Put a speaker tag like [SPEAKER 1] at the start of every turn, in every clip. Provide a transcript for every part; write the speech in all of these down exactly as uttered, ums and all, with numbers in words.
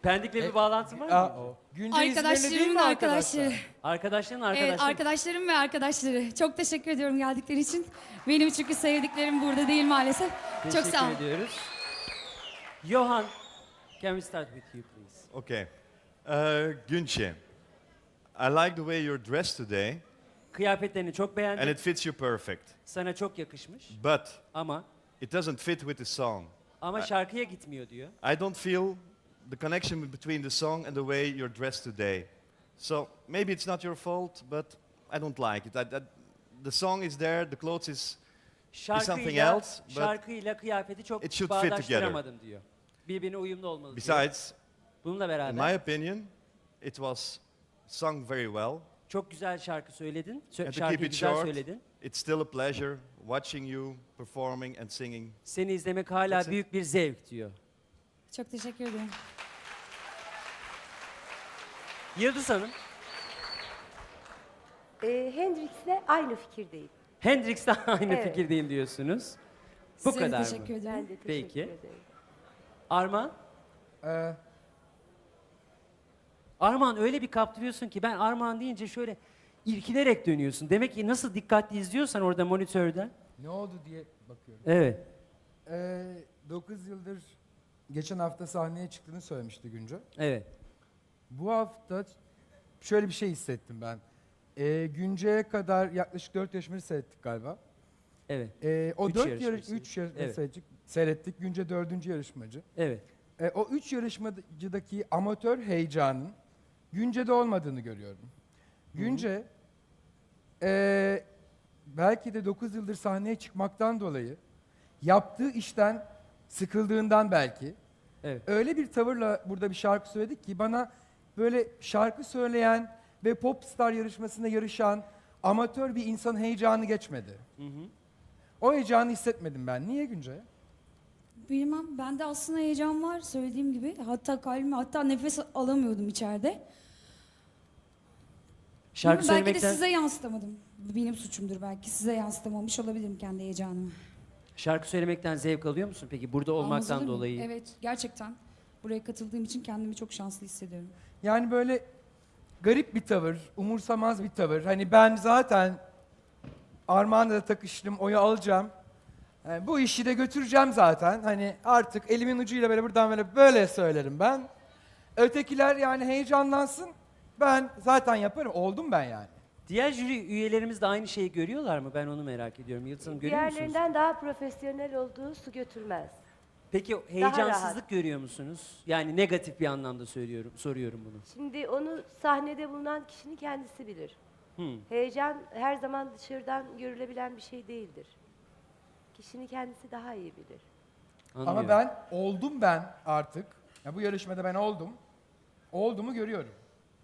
[SPEAKER 1] Pendik'le bir bağlantın var mı?
[SPEAKER 2] Aa, o. Günce İzmirli değil
[SPEAKER 3] Arkadaşlarım
[SPEAKER 2] mi
[SPEAKER 3] ve
[SPEAKER 2] arkadaşlar?
[SPEAKER 3] arkadaşları.
[SPEAKER 1] Arkadaşların arkadaşları.
[SPEAKER 3] Evet, arkadaşlarım ve arkadaşları. Çok teşekkür ediyorum geldikleri için. Benim çünkü sevdiklerim burada değil maalesef. Çok
[SPEAKER 1] Teşekkür
[SPEAKER 3] sağ olun.
[SPEAKER 1] ediyoruz. Johan, can we start with you please?
[SPEAKER 4] Okay. Uh, Günce, I like the way you're dressed today,
[SPEAKER 1] Kıyafetlerini çok beğendim.
[SPEAKER 4] and it fits you perfect.
[SPEAKER 1] Sana çok yakışmış.
[SPEAKER 4] But
[SPEAKER 1] Ama
[SPEAKER 4] it doesn't fit with the song.
[SPEAKER 1] ama şarkıya gitmiyor diyor.
[SPEAKER 4] I don't feel the connection between the song and the way you're dressed today. So maybe it's not your fault, but I don't like it. I, I, the song is there, the clothes is something
[SPEAKER 1] Şarkıyla,
[SPEAKER 4] else, but
[SPEAKER 1] şarkıyla kıyafeti çok
[SPEAKER 4] it should fit
[SPEAKER 1] bağdaştıramadım diyor. Birbirine uyumlu olmalı diyor.
[SPEAKER 4] besides,
[SPEAKER 1] Bununla
[SPEAKER 4] in
[SPEAKER 1] beraber
[SPEAKER 4] my opinion, it was sung very well.
[SPEAKER 1] çok güzel şarkı söyledin. Sö-
[SPEAKER 4] And to keep
[SPEAKER 1] şarkıyı
[SPEAKER 4] it
[SPEAKER 1] güzel
[SPEAKER 4] short,
[SPEAKER 1] söyledin.
[SPEAKER 4] it's still a pleasure watching you performing and singing.
[SPEAKER 1] Seni izlemek hala
[SPEAKER 4] That's it.
[SPEAKER 1] büyük bir zevk diyor.
[SPEAKER 3] Çok teşekkür ederim.
[SPEAKER 1] Yıldız Hanım,
[SPEAKER 5] Ee, Hendrix'le aynı fikirdeyim.
[SPEAKER 1] Hendrix'le aynı
[SPEAKER 5] Evet.
[SPEAKER 1] fikirdeyim diyorsunuz. Bu
[SPEAKER 3] Size de
[SPEAKER 1] kadar
[SPEAKER 3] teşekkür
[SPEAKER 1] mı?
[SPEAKER 3] ederim.
[SPEAKER 5] Ben de teşekkür
[SPEAKER 1] Peki.
[SPEAKER 5] ederim.
[SPEAKER 1] Arman?
[SPEAKER 2] Ee,
[SPEAKER 1] Arman öyle bir kaptırıyorsun ki ben Arman deyince şöyle irkilerek dönüyorsun. Demek ki nasıl dikkatli izliyorsan orada monitörden.
[SPEAKER 2] ne oldu diye bakıyorum.
[SPEAKER 1] Evet.
[SPEAKER 2] Ee, dokuz yıldır geçen hafta sahneye çıktığını söylemişti Günce.
[SPEAKER 1] Evet.
[SPEAKER 2] Bu hafta şöyle bir şey hissettim ben. Ee, Günce'ye kadar yaklaşık dört yarışmacı seyrettik galiba.
[SPEAKER 1] Evet.
[SPEAKER 2] Ee, o
[SPEAKER 1] Üç
[SPEAKER 2] dört
[SPEAKER 1] yarışmacı
[SPEAKER 2] yarış, üç yarışmacı
[SPEAKER 1] Evet.
[SPEAKER 2] seyrettik, seyrettik. Günce dördüncü yarışmacı.
[SPEAKER 1] Evet.
[SPEAKER 2] Ee, o üç yarışmacıdaki amatör heyecanın Günce'de olmadığını görüyorum. Günce ee, belki de dokuz yıldır sahneye çıkmaktan dolayı yaptığı işten sıkıldığından belki
[SPEAKER 1] Evet.
[SPEAKER 2] öyle bir tavırla burada bir şarkı söyledik ki bana böyle şarkı söyleyen ve popstar yarışmasında yarışan amatör bir insan heyecanı geçmedi.
[SPEAKER 1] Hı hı.
[SPEAKER 2] O heyecanı hissetmedim ben. Niye Günce?
[SPEAKER 3] Bilmem, bende aslında heyecan var söylediğim gibi. Hatta kalbime, hatta nefes alamıyordum içeride.
[SPEAKER 1] Şarkı
[SPEAKER 3] Bilmem, belki de
[SPEAKER 1] söylemekten
[SPEAKER 3] size yansıtamadım. Benim suçumdur belki. Size yansıtamamış olabilirim kendi heyecanımı.
[SPEAKER 1] şarkı söylemekten zevk alıyor musun peki burada
[SPEAKER 3] Almaz
[SPEAKER 1] olmaktan
[SPEAKER 3] olur muyum?
[SPEAKER 1] dolayı?
[SPEAKER 3] Evet, gerçekten. Buraya katıldığım için kendimi çok şanslı hissediyorum.
[SPEAKER 2] Yani böyle garip bir tavır, umursamaz bir tavır. Hani ben zaten Armağan'la da takıştım, oyu alacağım. Yani bu işi de götüreceğim zaten. Hani artık elimin ucuyla böyle buradan böyle böyle söylerim ben. Ötekiler yani heyecanlansın. Ben zaten yaparım. Oldum ben yani.
[SPEAKER 1] Diğer jüri üyelerimiz de aynı şeyi görüyorlar mı? Ben onu merak ediyorum. Yıldız Hanım görüyor musunuz?
[SPEAKER 5] Diğerlerinden daha profesyonel olduğu su götürmez.
[SPEAKER 1] Peki
[SPEAKER 5] rahat.
[SPEAKER 1] heyecansızlık görüyor musunuz? Yani negatif bir anlamda söylüyorum, soruyorum bunu.
[SPEAKER 5] Şimdi onu sahnede bulunan kişinin kendisi bilir.
[SPEAKER 1] Hmm.
[SPEAKER 5] Heyecan her zaman dışarıdan görülebilen bir şey değildir. Kişinin kendisi daha iyi bilir.
[SPEAKER 1] Anlıyorum.
[SPEAKER 2] Ama ben oldum ben artık. Ya bu yarışmada ben oldum. Olduğumu görüyorum.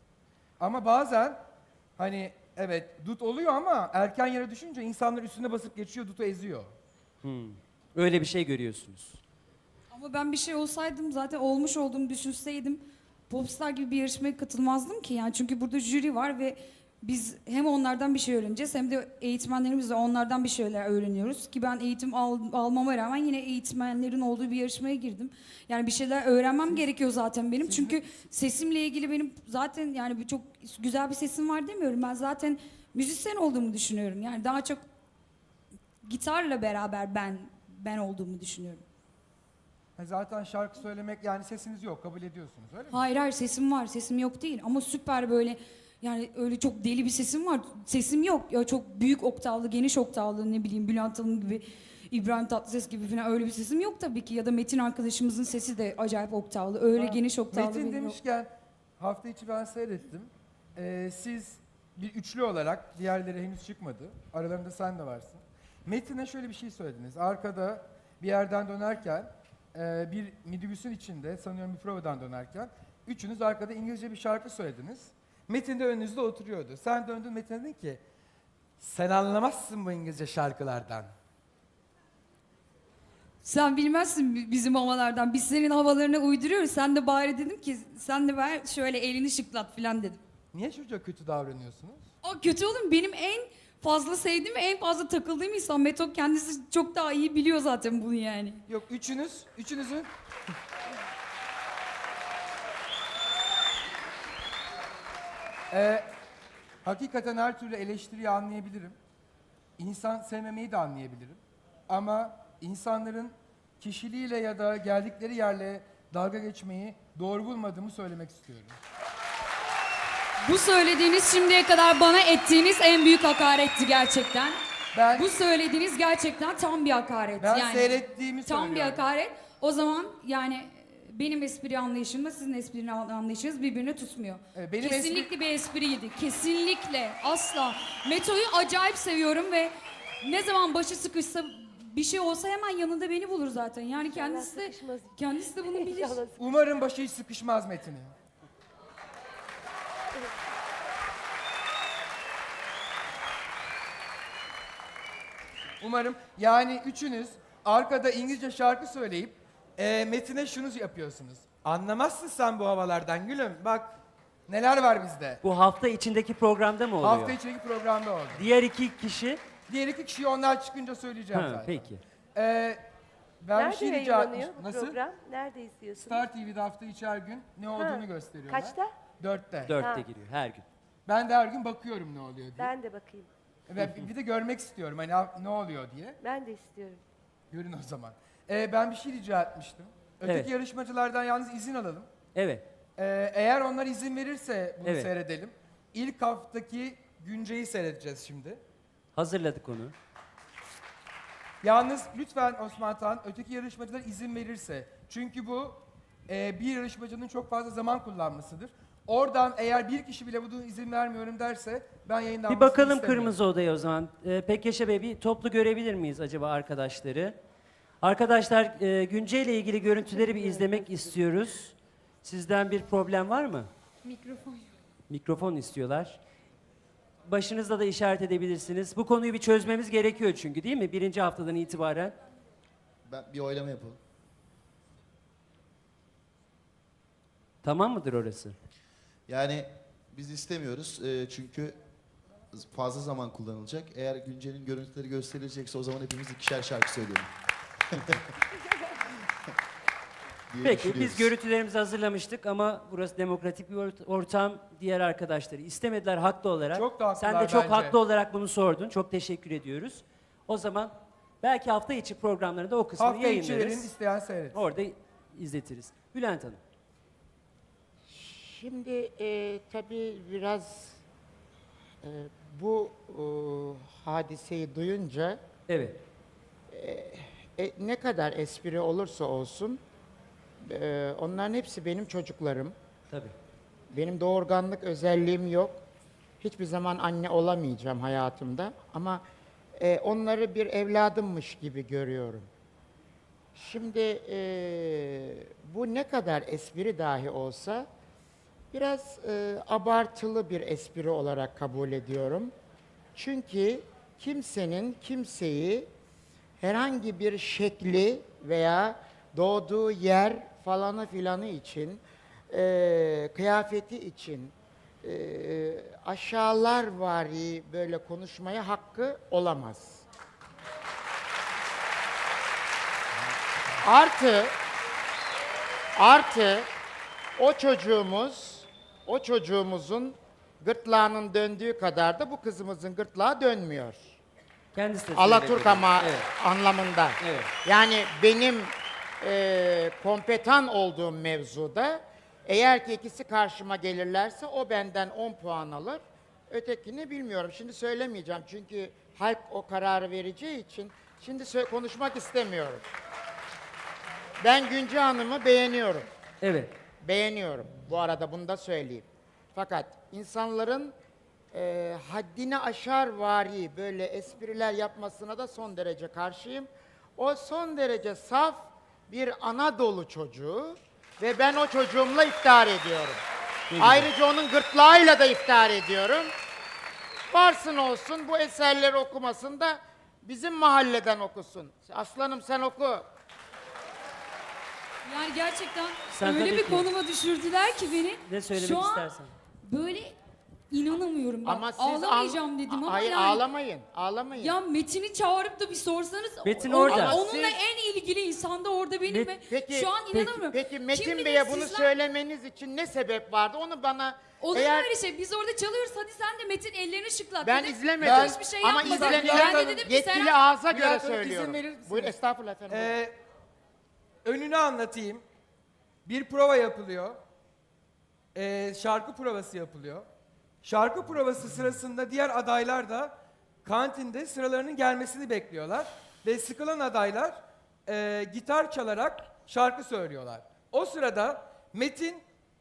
[SPEAKER 2] Ama bazen hani evet dut oluyor ama erken yere düşünce insanlar üstüne basıp geçiyor, dutu eziyor.
[SPEAKER 1] Hmm. Öyle bir şey görüyorsunuz.
[SPEAKER 3] Ama ben bir şey olsaydım zaten olmuş olduğumu düşünseydim Popstar gibi bir yarışmaya katılmazdım ki. Yani çünkü burada jüri var ve biz hem onlardan bir şey öğreneceğiz hem de eğitmenlerimiz de onlardan bir şeyler öğreniyoruz. Ki ben eğitim al, almama rağmen yine eğitmenlerin olduğu bir yarışmaya girdim. Yani bir şeyler öğrenmem gerekiyor zaten benim. Çünkü sesimle ilgili benim zaten yani bir çok güzel bir sesim var demiyorum. Ben zaten müzisyen olduğumu düşünüyorum. Yani daha çok gitarla beraber ben ben olduğumu düşünüyorum.
[SPEAKER 2] Ha, zaten şarkı söylemek yani sesiniz yok kabul ediyorsunuz öyle mi?
[SPEAKER 3] Hayır hayır sesim var. Sesim yok değil ama süper böyle yani öyle çok deli bir sesim var. Sesim yok. Ya çok büyük oktavlı, geniş oktavlı ne bileyim Bülent Hanım gibi, İbrahim Tatlıses gibi falan öyle bir sesim yok tabii ki. Ya da Metin arkadaşımızın sesi de acayip oktavlı. Öyle
[SPEAKER 2] Ha,
[SPEAKER 3] geniş oktavlı.
[SPEAKER 2] Metin
[SPEAKER 3] benim yok.
[SPEAKER 2] demişken hafta içi ben seyrettim. Ee, siz bir üçlü olarak diğerleri henüz çıkmadı. Aralarında sen de varsın. Metin'e şöyle bir şey söylediniz. Arkada bir yerden dönerken e, bir minibüsün içinde sanıyorum bir provadan dönerken üçünüz arkada İngilizce bir şarkı söylediniz. Metin de önünüzde oturuyordu. Sen döndün Metin'e dedin ki sen anlamazsın bu İngilizce şarkılardan.
[SPEAKER 3] Sen bilmezsin bi- bizim havalardan. Biz senin havalarına uyduruyoruz. Sen de bari dedim ki sen de ver şöyle elini şıklat falan dedim.
[SPEAKER 2] Niye çocuğa kötü davranıyorsunuz?
[SPEAKER 3] O kötü oğlum benim en fazla sevdiğim ve en fazla takıldığım insan. Meto kendisi çok daha iyi biliyor zaten bunu yani.
[SPEAKER 2] Yok üçünüz, üçünüzün Ee, hakikaten her türlü eleştiriyi anlayabilirim. İnsan sevmemeyi de anlayabilirim. Ama insanların kişiliğiyle ya da geldikleri yerle dalga geçmeyi doğru bulmadığımı söylemek istiyorum.
[SPEAKER 3] Bu söylediğiniz şimdiye kadar bana ettiğiniz en büyük hakaretti gerçekten.
[SPEAKER 2] Ben
[SPEAKER 3] Bu söylediğiniz gerçekten tam bir hakaret.
[SPEAKER 2] ben
[SPEAKER 3] yani
[SPEAKER 2] seyrettiğimi
[SPEAKER 3] tam bir
[SPEAKER 2] söylüyorum.
[SPEAKER 3] hakaret. O zaman yani benim espri anlayışımla sizin espri anlayışınız birbirini tutmuyor.
[SPEAKER 2] Ee, benim
[SPEAKER 3] Kesinlikle bir espriydi. Kesinlikle. Asla. Meto'yu acayip seviyorum ve ne zaman başı sıkışsa bir şey olsa hemen yanında beni bulur zaten. Yani kendisi de
[SPEAKER 5] sıkışmaz.
[SPEAKER 3] kendisi de bunu bilir.
[SPEAKER 5] İnşallah.
[SPEAKER 2] Umarım başı hiç sıkışmaz Metin'in. Umarım yani üçünüz arkada İngilizce şarkı söyleyip e, Metin'e şunu yapıyorsunuz. Anlamazsın sen bu havalardan gülüm. Bak neler var bizde.
[SPEAKER 1] Bu hafta içindeki programda mı oluyor?
[SPEAKER 2] Hafta içindeki programda oldu.
[SPEAKER 1] Diğer iki kişi...
[SPEAKER 2] Diğer iki kişiyi onlar çıkınca söyleyeceğim
[SPEAKER 1] Ha,
[SPEAKER 2] zaten.
[SPEAKER 1] peki.
[SPEAKER 2] Ee, ben bir
[SPEAKER 5] Nerede
[SPEAKER 2] şey rica
[SPEAKER 5] yayınlanıyor
[SPEAKER 2] etmiştim.
[SPEAKER 5] bu
[SPEAKER 2] Nasıl?
[SPEAKER 5] program? Nerede izliyorsunuz?
[SPEAKER 2] Star T V'de hafta içi her gün ne olduğunu
[SPEAKER 5] Ha,
[SPEAKER 2] gösteriyorlar.
[SPEAKER 5] Kaçta?
[SPEAKER 2] Dörtte.
[SPEAKER 1] Dörtte
[SPEAKER 5] Ha.
[SPEAKER 1] giriyor her gün.
[SPEAKER 2] Ben de her gün bakıyorum ne oluyor diye.
[SPEAKER 5] Ben de bakayım.
[SPEAKER 2] Ve bir de görmek istiyorum hani ha- ne oluyor diye.
[SPEAKER 5] Ben de istiyorum.
[SPEAKER 2] Görün o zaman. Ee, ben bir şey rica etmiştim. Öteki
[SPEAKER 1] Evet.
[SPEAKER 2] yarışmacılardan yalnız izin alalım.
[SPEAKER 1] Evet.
[SPEAKER 2] Ee, eğer onlar izin verirse bunu
[SPEAKER 1] Evet.
[SPEAKER 2] seyredelim. İlk haftaki Günce'yi seyredeceğiz şimdi.
[SPEAKER 1] Hazırladık onu.
[SPEAKER 2] Yalnız lütfen Osman Tan, öteki yarışmacılar izin verirse. Çünkü bu e, bir yarışmacının çok fazla zaman kullanmasıdır. Oradan eğer bir kişi bile bunu izin vermiyorum derse ben yayından
[SPEAKER 1] Bir bakalım Kırmızı Oda'ya o zaman. Ee, Pekkeşe Bey bir toplu görebilir miyiz acaba arkadaşları? Arkadaşlar e, Günce ile ilgili görüntüleri bir izlemek istiyoruz. Sizden bir problem var mı?
[SPEAKER 3] Mikrofon.
[SPEAKER 1] Mikrofon istiyorlar. Başınızda da işaret edebilirsiniz. Bu konuyu bir çözmemiz gerekiyor çünkü değil mi? Birinci haftadan itibaren.
[SPEAKER 6] Ben bir oylama yapalım.
[SPEAKER 1] Tamam mıdır orası?
[SPEAKER 6] Yani biz istemiyoruz e, çünkü fazla zaman kullanılacak. Eğer Günce'nin görüntüleri gösterilecekse o zaman hepimiz ikişer şarkı söyleyelim. diye
[SPEAKER 1] Peki biz
[SPEAKER 6] düşünüyoruz.
[SPEAKER 1] görüntülerimizi hazırlamıştık ama burası demokratik bir ort- ortam. Diğer arkadaşları istemediler haklı olarak.
[SPEAKER 2] Çok da
[SPEAKER 1] Sen de
[SPEAKER 2] haklılar
[SPEAKER 1] çok
[SPEAKER 2] bence.
[SPEAKER 1] haklı olarak bunu sordun. Çok teşekkür ediyoruz. O zaman belki hafta içi programlarında o kısmını
[SPEAKER 2] Hafta içilerin
[SPEAKER 1] yayınlarız.
[SPEAKER 2] isteyen seyret.
[SPEAKER 1] Orada izletiriz. Bülent Hanım.
[SPEAKER 7] Şimdi e, tabii biraz e, bu e, hadiseyi duyunca
[SPEAKER 1] Evet.
[SPEAKER 7] e, ne kadar espri olursa olsun e, onların hepsi benim çocuklarım.
[SPEAKER 1] Tabii.
[SPEAKER 7] Benim doğurganlık özelliğim yok. Hiçbir zaman anne olamayacağım hayatımda ama e, onları bir evladımmış gibi görüyorum. Şimdi e, bu ne kadar espri dahi olsa biraz e, abartılı bir espri olarak kabul ediyorum. Çünkü kimsenin kimseyi herhangi bir şekli veya doğduğu yer falanı filanı için, e, kıyafeti için e, aşağılarvari böyle konuşmaya hakkı olamaz. Artı, artı o çocuğumuz, o çocuğumuzun gırtlağının döndüğü kadar da bu kızımızın gırtlağı dönmüyor.
[SPEAKER 1] Kendisi de söyledi.
[SPEAKER 7] Alaturk ama
[SPEAKER 1] Evet.
[SPEAKER 7] anlamında.
[SPEAKER 1] Evet.
[SPEAKER 7] Yani benim e, kompetan olduğum mevzuda eğer ki ikisi karşıma gelirlerse o benden on puan alır. Ötekini bilmiyorum. Şimdi söylemeyeceğim çünkü halk o kararı vereceği için şimdi sö- konuşmak istemiyorum. Ben Günce Hanım'ı beğeniyorum.
[SPEAKER 1] Evet.
[SPEAKER 7] Beğeniyorum. Bu arada bunu da söyleyeyim. Fakat insanların e, haddini aşar vari böyle espriler yapmasına da son derece karşıyım. O son derece saf bir Anadolu çocuğu ve ben o çocuğumla iftihar ediyorum. Ayrıca onun gırtlağıyla da iftihar ediyorum. Varsın olsun bu eserleri okumasın da bizim mahalleden okusun. Aslanım sen oku.
[SPEAKER 3] Yani gerçekten
[SPEAKER 1] Sen
[SPEAKER 3] öyle
[SPEAKER 1] tabii
[SPEAKER 3] bir
[SPEAKER 1] ki.
[SPEAKER 3] konuma düşürdüler ki beni.
[SPEAKER 1] Ne söylemek
[SPEAKER 3] Şu an
[SPEAKER 1] istersen.
[SPEAKER 3] böyle İnanamıyorum bak.
[SPEAKER 7] Ama siz
[SPEAKER 3] Ağlamayacağım
[SPEAKER 7] an-
[SPEAKER 3] dedim ama
[SPEAKER 7] Hayır
[SPEAKER 3] yani.
[SPEAKER 7] ağlamayın. Ağlamayın.
[SPEAKER 3] Ya Metin'i çağırıp da bir sorsanız.
[SPEAKER 1] Metin
[SPEAKER 3] o-
[SPEAKER 1] orada.
[SPEAKER 3] Onunla
[SPEAKER 7] Ama siz-
[SPEAKER 3] en ilgili insan da orada benim
[SPEAKER 1] Met-
[SPEAKER 3] ve
[SPEAKER 7] Peki,
[SPEAKER 3] şu an
[SPEAKER 7] peki,
[SPEAKER 3] inanamıyorum.
[SPEAKER 7] Peki
[SPEAKER 3] Kim
[SPEAKER 7] Metin
[SPEAKER 3] bilir
[SPEAKER 7] Bey'e bunu
[SPEAKER 3] sizler-
[SPEAKER 7] söylemeniz için ne sebep vardı? Onu bana
[SPEAKER 3] Olur mu
[SPEAKER 7] eğer
[SPEAKER 3] öyle şey? Biz orada çalıyoruz. Hadi sen de Metin ellerini şıklat.
[SPEAKER 7] ben
[SPEAKER 3] dedi.
[SPEAKER 7] izlemedim.
[SPEAKER 3] Ben hiçbir şey
[SPEAKER 7] Ama
[SPEAKER 3] yapmadım.
[SPEAKER 7] izlenilen
[SPEAKER 3] Ben de dedim ki
[SPEAKER 7] yetkili
[SPEAKER 3] Seren-
[SPEAKER 7] ağza göre
[SPEAKER 2] Bülent Hanım, izin
[SPEAKER 7] söylüyorum.
[SPEAKER 2] verir misiniz?
[SPEAKER 7] Buyur estağfurullah efendim.
[SPEAKER 2] Ee, önünü anlatayım. Bir prova yapılıyor. Ee, şarkı provası yapılıyor. Şarkı provası sırasında diğer adaylar da kantinde sıralarının gelmesini bekliyorlar. Ve sıkılan adaylar e, gitar çalarak şarkı söylüyorlar. O sırada Metin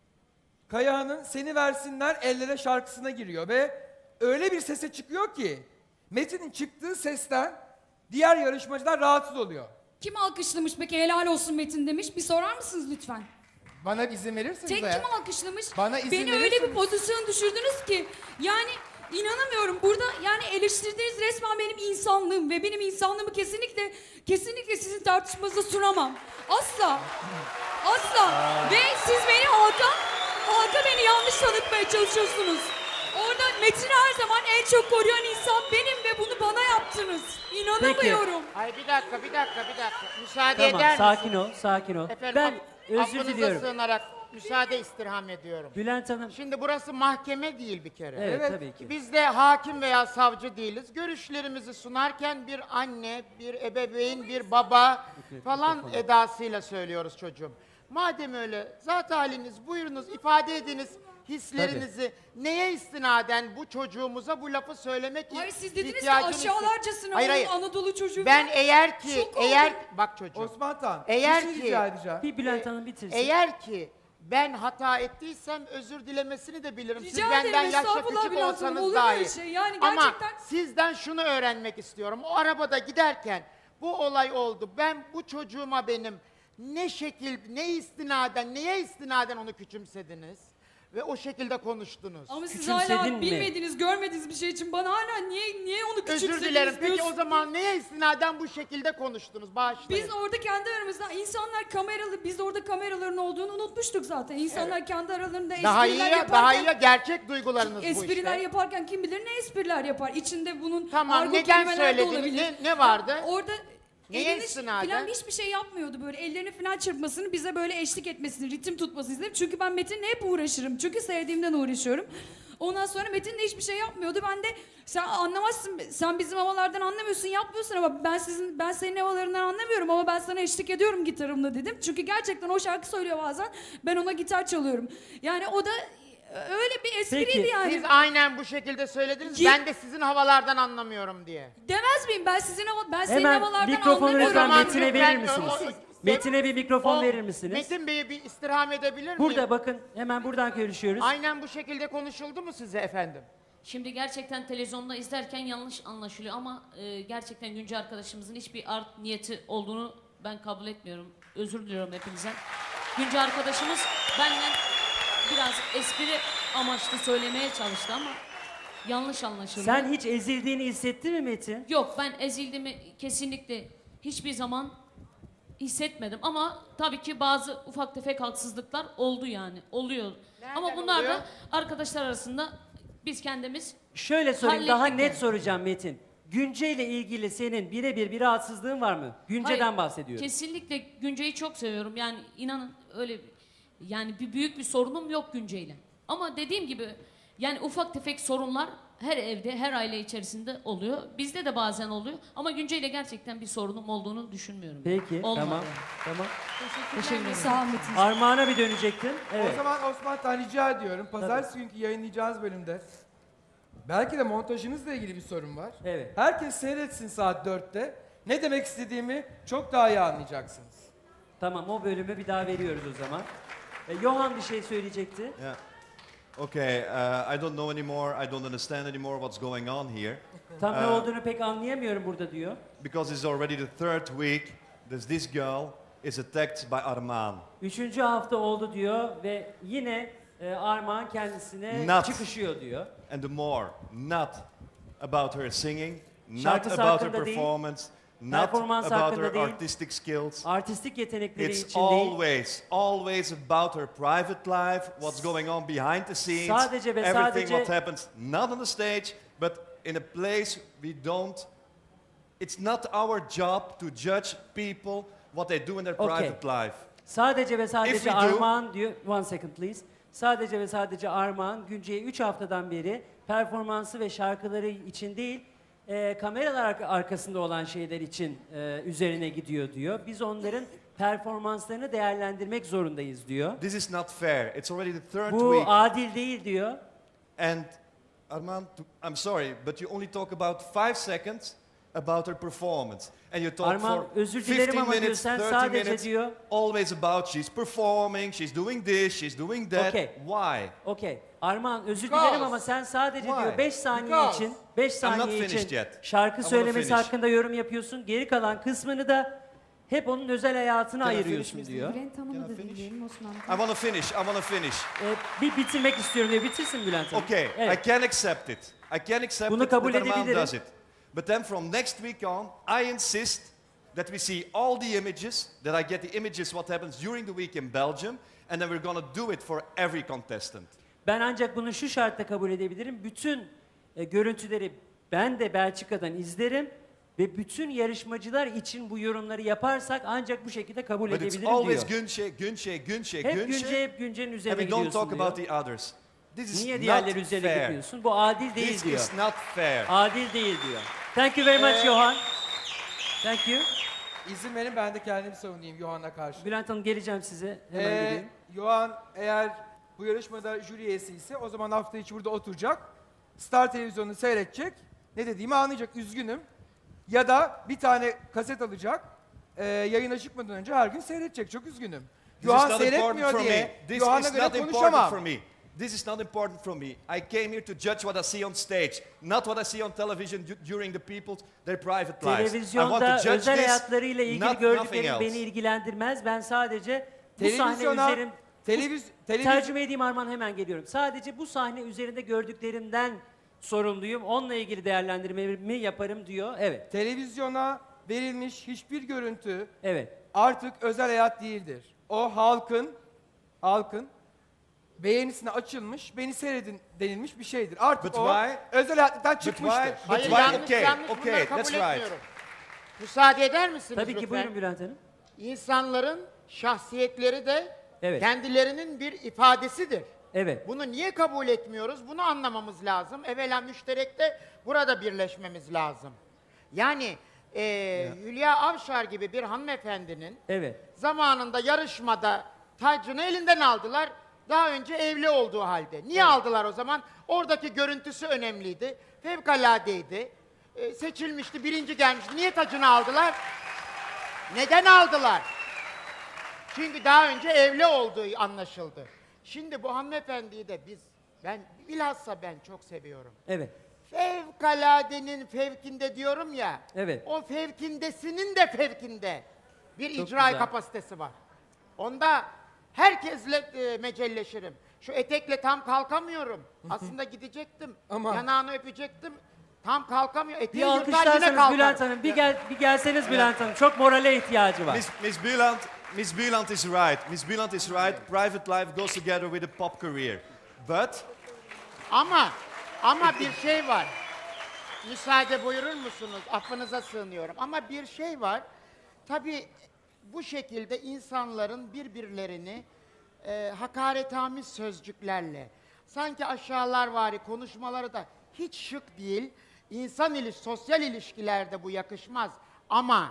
[SPEAKER 2] Kayahan'ın Seni Versinler Ellere şarkısına giriyor ve öyle bir sese çıkıyor ki Metin'in çıktığı sesten diğer yarışmacılar rahatsız oluyor.
[SPEAKER 3] Kim alkışlamış peki helal olsun Metin demiş. Bir sorar mısınız lütfen?
[SPEAKER 2] Bana izin verirsiniz
[SPEAKER 3] Tek
[SPEAKER 2] eğer.
[SPEAKER 3] kim alkışlamış?
[SPEAKER 2] Bana izin
[SPEAKER 3] Beni öyle
[SPEAKER 2] verirseniz.
[SPEAKER 3] bir pozisyon düşürdünüz ki yani inanamıyorum. Burada yani eleştirdiğiniz resmen benim insanlığım ve benim insanlığımı kesinlikle kesinlikle sizin tartışmanıza sunamam. Asla. Asla. Ve siz beni halka halka beni yanlış tanıtmaya çalışıyorsunuz. Orada Metin'i her zaman en çok koruyan insan benim ve bunu bana yaptınız. İnanamıyorum.
[SPEAKER 7] Ay bir dakika bir dakika bir dakika. Müsaade
[SPEAKER 1] Tamam,
[SPEAKER 7] eder
[SPEAKER 1] sakin
[SPEAKER 7] misiniz?
[SPEAKER 1] ol, sakin ol.
[SPEAKER 7] Efendim,
[SPEAKER 1] Ben
[SPEAKER 7] af-
[SPEAKER 1] özür
[SPEAKER 7] affınıza
[SPEAKER 1] diliyorum.
[SPEAKER 7] sığınarak müsaade istirham ediyorum.
[SPEAKER 1] Bülent Hanım,
[SPEAKER 7] Şimdi burası mahkeme değil bir kere.
[SPEAKER 1] evet,
[SPEAKER 2] Evet,
[SPEAKER 1] tabii ki.
[SPEAKER 7] Biz de hakim veya savcı değiliz. Görüşlerimizi sunarken bir anne, bir ebeveyn, bir baba falan edasıyla söylüyoruz çocuğum. Madem öyle zat haliniz buyurunuz ifade ediniz hislerinizi. Neye istinaden bu çocuğumuza bu lafı söylemek
[SPEAKER 3] Hayır siz dediniz ki
[SPEAKER 7] ihtiyacını hisset-
[SPEAKER 3] aşağılarcasına
[SPEAKER 7] Hayır,
[SPEAKER 3] onun
[SPEAKER 7] hayır.
[SPEAKER 3] Anadolu çocuğu.
[SPEAKER 7] Ben eğer ki
[SPEAKER 3] Şok oldum.
[SPEAKER 7] eğer bak çocuğum.
[SPEAKER 2] Osman Tan,
[SPEAKER 7] Eğer
[SPEAKER 2] bir şey
[SPEAKER 7] ki-
[SPEAKER 2] rica edeceğim.
[SPEAKER 1] Bir Bülent Hanım bitirsin.
[SPEAKER 7] Eğer ki ben hata ettiysem özür dilemesini de bilirim. Siz
[SPEAKER 3] Rica
[SPEAKER 7] benden
[SPEAKER 3] ederim,
[SPEAKER 7] yaşça
[SPEAKER 3] estağfurullah
[SPEAKER 7] küçük
[SPEAKER 3] Bülent Hanım,
[SPEAKER 7] olsanız
[SPEAKER 3] olur mu
[SPEAKER 7] dahi.
[SPEAKER 3] öyle şey? Yani
[SPEAKER 7] Ama
[SPEAKER 3] gerçekten-
[SPEAKER 7] sizden şunu öğrenmek istiyorum. O arabada giderken bu olay oldu. Ben bu çocuğuma benim ne şekil, ne istinaden, neye istinaden onu küçümsediniz? Ve o şekilde konuştunuz.
[SPEAKER 3] Ama siz
[SPEAKER 1] Küçümsedin
[SPEAKER 3] hala
[SPEAKER 1] mi?
[SPEAKER 3] bilmediğiniz, görmediğiniz bir şey için bana hala niye niye onu küçümsediniz
[SPEAKER 7] Özür dilerim. Peki o
[SPEAKER 3] diyorsun?
[SPEAKER 7] zaman neye istinaden bu şekilde konuştunuz? Bağışlayın.
[SPEAKER 3] Biz orada kendi aramızda insanlar kameralı, biz orada kameraların olduğunu unutmuştuk zaten. İnsanlar kendi aralarında
[SPEAKER 7] daha iyi
[SPEAKER 3] espriler
[SPEAKER 7] ya,
[SPEAKER 3] yaparken,
[SPEAKER 7] daha iyi ya, gerçek duygularınız bu
[SPEAKER 3] espriler
[SPEAKER 7] işte.
[SPEAKER 3] yaparken kim bilir ne espriler yapar. İçinde bunun
[SPEAKER 7] Tamam,
[SPEAKER 3] argo
[SPEAKER 7] neden
[SPEAKER 3] kelimeler de
[SPEAKER 7] söylediniz?
[SPEAKER 3] olabilir.
[SPEAKER 7] Ne- ne vardı?
[SPEAKER 3] Orada
[SPEAKER 7] Neye
[SPEAKER 3] elini
[SPEAKER 7] istinaden?
[SPEAKER 3] falan hiçbir şey yapmıyordu böyle. Ellerini falan çırpmasını, bize böyle eşlik etmesini, ritim tutmasını istedim. Çünkü ben Metin'le hep uğraşırım. Çünkü sevdiğimden uğraşıyorum. Ondan sonra Metin de hiçbir şey yapmıyordu. Ben de sen anlamazsın, sen bizim havalardan anlamıyorsun, yapmıyorsun ama ben sizin ben senin havalarından anlamıyorum ama ben sana eşlik ediyorum gitarımla dedim. Çünkü gerçekten o şarkı söylüyor bazen. Ben ona gitar çalıyorum. Yani o da öyle bir espriydi
[SPEAKER 1] Peki,
[SPEAKER 3] yani.
[SPEAKER 7] Siz aynen bu şekilde söylediniz.
[SPEAKER 3] Git-
[SPEAKER 7] Ben de sizin havalardan anlamıyorum diye.
[SPEAKER 3] Demez miyim? Ben sizin hava, ben senin
[SPEAKER 1] Hemen
[SPEAKER 3] havalardan
[SPEAKER 1] mikrofonu
[SPEAKER 3] anlamıyorum.
[SPEAKER 1] lütfen
[SPEAKER 7] zaman
[SPEAKER 1] Metin'e
[SPEAKER 7] lütfen
[SPEAKER 1] verir misiniz?
[SPEAKER 7] o- o-
[SPEAKER 1] Metin'e bir mikrofon
[SPEAKER 7] O
[SPEAKER 1] verir misiniz?
[SPEAKER 7] Metin Bey'i bir istirham edebilir miyim?
[SPEAKER 1] Burada bakın, hemen buradan görüşüyoruz.
[SPEAKER 7] Aynen bu şekilde konuşuldu mu size efendim?
[SPEAKER 8] Şimdi gerçekten televizyonda izlerken yanlış anlaşılıyor ama e, gerçekten Günce arkadaşımızın hiçbir art niyeti olduğunu ben kabul etmiyorum. Özür diliyorum hepinizden. Günce arkadaşımız benden biraz espri amaçlı söylemeye çalıştı ama yanlış anlaşıldı.
[SPEAKER 1] Sen hiç ezildiğini hissettin mi Metin?
[SPEAKER 8] Yok, ben ezildiğimi kesinlikle hiçbir zaman hissetmedim ama tabii ki bazı ufak tefek haksızlıklar oldu yani. Oluyor.
[SPEAKER 7] Nereden
[SPEAKER 8] ama bunlar
[SPEAKER 7] oluyor?
[SPEAKER 8] da arkadaşlar arasında biz kendimiz
[SPEAKER 1] Şöyle sorayım, daha
[SPEAKER 8] Hallettik
[SPEAKER 1] net
[SPEAKER 8] yani.
[SPEAKER 1] soracağım Metin. Günce ile ilgili senin birebir bir rahatsızlığın var mı? Günce'den
[SPEAKER 8] Hayır,
[SPEAKER 1] bahsediyorum.
[SPEAKER 8] Kesinlikle Günce'yi çok seviyorum. Yani inanın öyle yani bir büyük bir sorunum yok Günce'yle. Ama dediğim gibi yani ufak tefek sorunlar her evde, her aile içerisinde oluyor. Bizde de bazen oluyor. Ama Günce'yle gerçekten bir sorunum olduğunu düşünmüyorum.
[SPEAKER 1] Peki,
[SPEAKER 8] Olmadı
[SPEAKER 1] tamam.
[SPEAKER 8] yani.
[SPEAKER 1] Tamam.
[SPEAKER 8] Teşekkür ederim.
[SPEAKER 3] Sağ ol Metin.
[SPEAKER 1] Armağan'a bir dönecektin. Evet.
[SPEAKER 2] O zaman Osman Tan rica ediyorum. Pazartesi günkü yayınlayacağınız bölümde belki de montajınızla ilgili bir sorun var.
[SPEAKER 1] Evet.
[SPEAKER 2] Herkes seyretsin saat dörtte. Ne demek istediğimi çok daha iyi anlayacaksınız.
[SPEAKER 1] Tamam, o bölümü bir daha veriyoruz o zaman. E, Johan bir şey söyleyecekti.
[SPEAKER 4] Yeah. Okay, uh, I don't know anymore, I don't understand anymore what's going on here.
[SPEAKER 1] Tam ne
[SPEAKER 4] Ee,
[SPEAKER 1] olduğunu pek anlayamıyorum burada diyor.
[SPEAKER 4] Because it's already the third week that this girl is attacked by Arman.
[SPEAKER 1] Üçüncü hafta oldu diyor ve yine e, Armağan kendisine
[SPEAKER 4] Not.
[SPEAKER 1] çıkışıyor diyor.
[SPEAKER 4] And the more, not about her singing, not
[SPEAKER 1] Şarkısı
[SPEAKER 4] about her
[SPEAKER 1] hakkında değil.
[SPEAKER 4] performance, not
[SPEAKER 1] Performansı
[SPEAKER 4] about
[SPEAKER 1] hakkında
[SPEAKER 4] her
[SPEAKER 1] değil.
[SPEAKER 4] artistic skills.
[SPEAKER 1] Artistik yetenekleri
[SPEAKER 4] It's
[SPEAKER 1] için değil.
[SPEAKER 4] always, always about her private life, what's going on behind the scenes,
[SPEAKER 1] Sadece ve
[SPEAKER 4] everything
[SPEAKER 1] sadece-
[SPEAKER 4] what happens, not on the stage, but in a place we don't, it's not our job to judge people, what they do in their
[SPEAKER 1] Okay.
[SPEAKER 4] private life.
[SPEAKER 1] Sadece ve
[SPEAKER 4] If
[SPEAKER 1] sadece
[SPEAKER 4] we do-
[SPEAKER 1] Armağan diyor. One second please. Sadece ve sadece Armağan Günce'ye üç haftadan beri performansı ve şarkıları için değil, e, kameralar arka- arkasında olan şeyler için e, üzerine gidiyor diyor. Biz onların performanslarını değerlendirmek zorundayız diyor.
[SPEAKER 4] This is not fair. It's already the third
[SPEAKER 1] Bu
[SPEAKER 4] week.
[SPEAKER 1] adil değil diyor.
[SPEAKER 4] And Armand, to- I'm sorry, but you only talk about five seconds about her performance. And you talk
[SPEAKER 1] Armağan,
[SPEAKER 4] for
[SPEAKER 1] özür dilerim
[SPEAKER 4] fifteen
[SPEAKER 1] ama diyor,
[SPEAKER 4] minutes,
[SPEAKER 1] sen
[SPEAKER 4] thirty
[SPEAKER 1] sadece
[SPEAKER 4] minutes,
[SPEAKER 1] diyor-
[SPEAKER 4] always about she's performing, she's doing this, she's doing that.
[SPEAKER 1] Okay.
[SPEAKER 4] Why?
[SPEAKER 1] Okey. Armağan özür
[SPEAKER 2] Because-
[SPEAKER 1] dilerim ama sen sadece
[SPEAKER 4] Why?
[SPEAKER 1] diyor beş saniye
[SPEAKER 2] Because-
[SPEAKER 1] için beş
[SPEAKER 4] I'm not
[SPEAKER 1] saniye
[SPEAKER 4] finished
[SPEAKER 1] için
[SPEAKER 4] yet.
[SPEAKER 1] şarkı
[SPEAKER 4] I wanna
[SPEAKER 1] söylemesi
[SPEAKER 4] finish.
[SPEAKER 1] hakkında yorum yapıyorsun. Geri kalan kısmını da hep onun özel hayatına
[SPEAKER 4] Can I
[SPEAKER 1] ayırıyorsun
[SPEAKER 4] finish,
[SPEAKER 1] diyor.
[SPEAKER 3] Bülent Hanım'ı
[SPEAKER 4] Can
[SPEAKER 3] da
[SPEAKER 4] I finish?
[SPEAKER 3] dinleyelim Osman.
[SPEAKER 4] I want to finish, I want to finish.
[SPEAKER 1] Ee, bir bitirmek istiyorum diyor. Bitirsin Bülent Hanım.
[SPEAKER 4] Okay,
[SPEAKER 1] Evet.
[SPEAKER 4] I can accept it. I can accept
[SPEAKER 1] Bunu
[SPEAKER 4] it
[SPEAKER 1] kabul
[SPEAKER 4] that Armand
[SPEAKER 1] edebilirim.
[SPEAKER 4] does it. But then from next week on, I insist that we see all the images, that I get the images what happens during the week in Belgium, and then we're going to do it for every contestant.
[SPEAKER 1] Ben ancak bunu şu şartla kabul edebilirim. Bütün e, görüntüleri ben de Belçika'dan izlerim ve bütün yarışmacılar için bu yorumları yaparsak ancak bu şekilde kabul
[SPEAKER 4] But it's
[SPEAKER 1] edebilirim
[SPEAKER 4] always
[SPEAKER 1] diyor.
[SPEAKER 4] Günce, Günce, Günce,
[SPEAKER 1] Hep
[SPEAKER 4] Günce,
[SPEAKER 1] Günce hep Günce'nin
[SPEAKER 4] and
[SPEAKER 1] üzerine
[SPEAKER 4] we don't
[SPEAKER 1] gidiyorsun
[SPEAKER 4] talk
[SPEAKER 1] diyor.
[SPEAKER 4] about the others. This is
[SPEAKER 1] Niye
[SPEAKER 4] not
[SPEAKER 1] diğerleri üzerine
[SPEAKER 4] fair.
[SPEAKER 1] gidiyorsun? Bu adil değil
[SPEAKER 4] This
[SPEAKER 1] diyor.
[SPEAKER 4] is not fair.
[SPEAKER 1] Adil değil diyor. Thank you very much Johan. Thank you.
[SPEAKER 2] İzin verin ben de kendimi savunayım Yohan'a karşı.
[SPEAKER 1] Bülent Hanım geleceğim size. Hemen
[SPEAKER 2] Ee,
[SPEAKER 1] geleyim.
[SPEAKER 2] Yohan eğer bu yarışmada jüri üyesi ise o zaman hafta içi burada oturacak. Star televizyonunu seyredecek. Ne dediğimi anlayacak. Üzgünüm. Ya da bir tane kaset alacak. E, yayına çıkmadan önce her gün seyredecek. Çok üzgünüm.
[SPEAKER 4] This is
[SPEAKER 2] Yohan
[SPEAKER 4] not
[SPEAKER 2] seyretmiyor
[SPEAKER 4] important for me.
[SPEAKER 2] diye
[SPEAKER 4] This
[SPEAKER 2] Yohan'a
[SPEAKER 4] is
[SPEAKER 2] göre
[SPEAKER 4] not important
[SPEAKER 2] konuşamam.
[SPEAKER 4] for me. This is not important for me. I came here to judge what I see on stage, not what I see on television du- during the people's their private lives. I want
[SPEAKER 1] Televizyonda
[SPEAKER 4] to judge
[SPEAKER 1] özel
[SPEAKER 4] this,
[SPEAKER 1] hayatlarıyla ilgili
[SPEAKER 4] not nothing
[SPEAKER 1] gördüklerim
[SPEAKER 4] else.
[SPEAKER 1] beni ilgilendirmez. Ben sadece bu sahne
[SPEAKER 2] Televizyona,
[SPEAKER 1] üzerim...
[SPEAKER 2] televiz, televizyon,
[SPEAKER 1] Tercüme edeyim Arman hemen geliyorum. Sadece bu sahne üzerinde gördüklerimden sorumluyum. Onunla ilgili değerlendirmemi yaparım diyor. Evet.
[SPEAKER 2] televizyona verilmiş hiçbir görüntü
[SPEAKER 1] Evet.
[SPEAKER 2] artık özel hayat değildir. O halkın, halkın beğenisine açılmış, beni seyredin denilmiş bir şeydir. Artık
[SPEAKER 4] But
[SPEAKER 2] o
[SPEAKER 4] why?
[SPEAKER 2] özel hayattan
[SPEAKER 4] But
[SPEAKER 2] çıkmıştır.
[SPEAKER 4] why? But
[SPEAKER 7] Hayır
[SPEAKER 4] why?
[SPEAKER 7] yanlış
[SPEAKER 4] Okay,
[SPEAKER 7] yanlış
[SPEAKER 4] okay,
[SPEAKER 7] bunları kabul
[SPEAKER 4] that's right.
[SPEAKER 7] etmiyorum. Müsaade eder misiniz
[SPEAKER 1] Tabii ki
[SPEAKER 7] lütfen?
[SPEAKER 1] buyurun Bülent Hanım.
[SPEAKER 7] İnsanların şahsiyetleri de
[SPEAKER 1] Evet.
[SPEAKER 7] kendilerinin bir ifadesidir.
[SPEAKER 1] Evet.
[SPEAKER 7] Bunu niye kabul etmiyoruz? Bunu anlamamız lazım. Evvela müşterekte burada birleşmemiz lazım. Yani eee Hülya Avşar gibi bir hanımefendinin
[SPEAKER 1] Evet.
[SPEAKER 7] zamanında yarışmada tacını elinden aldılar. Daha önce evli olduğu halde. Niye aldılar o zaman? Oradaki görüntüsü önemliydi. Fevkaladeydi. Ee, seçilmişti, birinci gelmişti. Niye tacını aldılar? Neden aldılar? Çünkü daha önce evli olduğu anlaşıldı. Şimdi bu hanımefendiyi de biz, ben bilhassa ben çok seviyorum.
[SPEAKER 1] Evet.
[SPEAKER 7] Fevkaladenin fevkinde diyorum ya.
[SPEAKER 1] Evet.
[SPEAKER 7] O fevkindesinin de fevkinde bir
[SPEAKER 1] Çok
[SPEAKER 7] icra
[SPEAKER 1] güzel.
[SPEAKER 7] kapasitesi var. Onda herkesle e, mecelleşirim. Şu etekle tam kalkamıyorum. Aslında gidecektim.
[SPEAKER 2] Ama-
[SPEAKER 7] Yanağını öpecektim. Tam kalkamıyor.
[SPEAKER 1] Bir
[SPEAKER 7] Eteği yırtar yine
[SPEAKER 1] alkışlarsanız
[SPEAKER 7] kalkar.
[SPEAKER 1] Bülent Hanım. Bir gel bir gelseniz Bülent Hanım. Çok morale ihtiyacı var.
[SPEAKER 4] Miss, Miss Bieland, Miss Bieland is right. Miss Bieland is right. Private life goes together with a pop career. But
[SPEAKER 7] Ama ama bir şey var. Müsaade buyurur musunuz? Affınıza sığınıyorum. Ama bir şey var. Tabii bu şekilde insanların birbirlerini e, hakaretamiz sözcüklerle, sanki aşağılarvari konuşmaları da hiç şık değil. İnsan iliş, sosyal ilişkilerde bu yakışmaz. Ama